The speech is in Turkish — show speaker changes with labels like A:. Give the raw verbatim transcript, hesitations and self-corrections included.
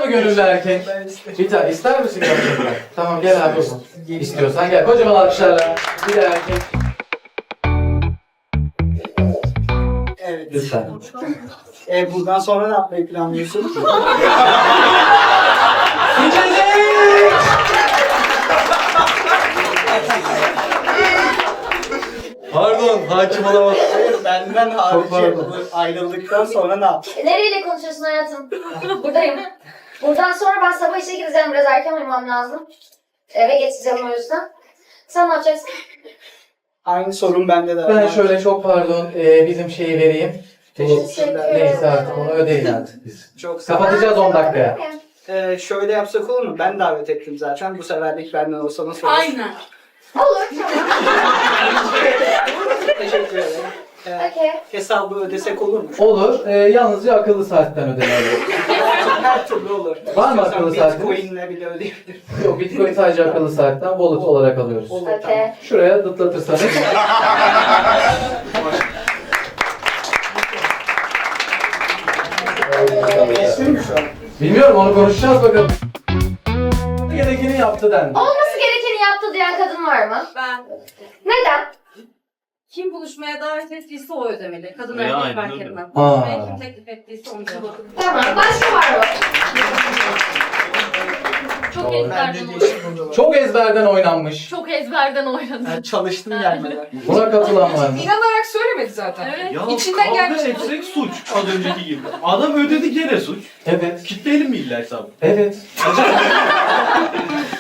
A: gönüllü erkek?
B: Ben istedim.
A: Bir tane ister misin gerçekten? Tamam gel abi o zaman. İstiyorsan gel. Kocaman alkışlarla. Bir de erkek.
B: Evet.
A: Lütfen.
B: E, buradan sonra ne yapmayı planlıyorsun?
A: İçecek! Pardon, hakim olamaz.
B: Hayır, benden hariç
A: pardon.
B: bu ayrıldıktan sonra ne yap?
C: Nereyle konuşuyorsun hayatım? Buradayım. Buradan sonra ben sabah işe gideceğim. Biraz erken uyumam lazım. Eve geçeceğim o yüzden. Sen ne yapacaksın?
B: Aynı sorun bende de var.
A: Ben şöyle çok pardon, e, bizim şeyi vereyim.
B: Teşekkürler.
A: Neyse artık onu ödeyin artık biz.
B: Çok sağ ol.
A: Kapatacağız on dakikaya.
B: Ee, şöyle yapsak olur mu? Ben davet ettim zaten. Bu seferlik benden olsa nasıl olur?
D: Aynen.
C: Olur tamam.
B: Teşekkür ederim. Ee,
C: Okey.
B: hesabı ödesek olur mu?
A: Olur, e, yalnızca akıllı saatten ödemeli.
B: Her türlü olur.
A: Var mı
B: İstiyorsan
A: akıllı saatiniz?
B: Bitcoin'le bile ödeyebilirim.
A: Yok, Bitcoin sadece akıllı saatten wallet olarak alıyoruz.
B: Olur
C: Okey.
B: tamam.
A: Şuraya dıtlatırsanız.
B: Geçtin mi şu an?
A: Bilmiyorum, onu konuşacağız bakalım. Gerekeni yaptı dendi.
C: Olması gerekeni yaptı diyen kadın var mı?
D: Ben
C: Neden?
D: kim buluşmaya davet ettiyse o ödemeli. Kadın
E: Ya,
D: erkek
E: aynen
D: fark
E: öyle.
D: etmem.
A: Aa.
D: Buluşmaya kim teklif ettiyse onu yapalım.
C: Tamam. Başka var mı?
D: Çok
B: Bence
D: ezberden
B: değişik
D: oynadım.
B: burada var.
A: Çok ezberden oynanmış.
D: Çok ezberden oynadım.
B: Ben çalıştım gelmeden.
A: Buna katılan var mı?
F: İnanarak söylemedi zaten.
D: Evet.
E: Ya
F: İçinden
E: kavga
F: gelmiş.
E: etsek suç az önceki gibi. Adam ödedi gene suç.
A: Evet.
E: Kitleyelim mi illa hesabı?
A: Evet.